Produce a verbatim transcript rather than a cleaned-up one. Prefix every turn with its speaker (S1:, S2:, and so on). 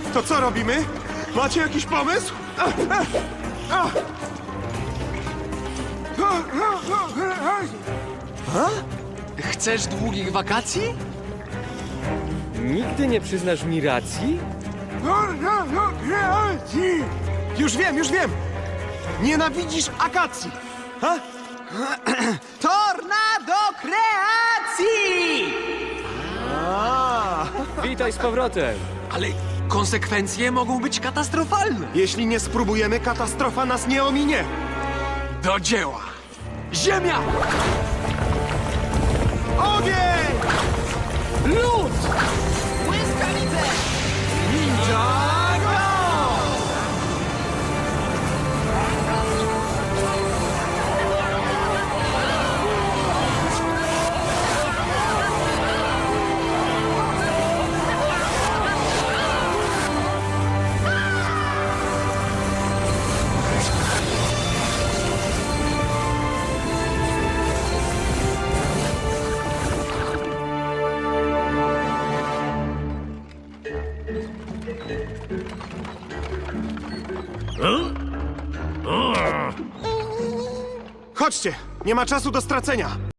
S1: To co robimy? Macie jakiś pomysł?
S2: Chcesz długich wakacji?
S3: Nigdy nie przyznasz mi racji?
S1: Już wiem, już wiem! Nienawidzisz akacji! Ha?
S2: Tornado kreacji!
S1: A,
S3: Witaj z powrotem.
S2: Ale konsekwencje mogą być katastrofalne.
S1: jeśli nie spróbujemy, katastrofa nas nie ominie!
S2: Do dzieła! Ziemia!
S1: Ogień!
S2: Lód! Błyskawice! Ninjago!
S1: Chodźcie! Nie ma czasu do stracenia!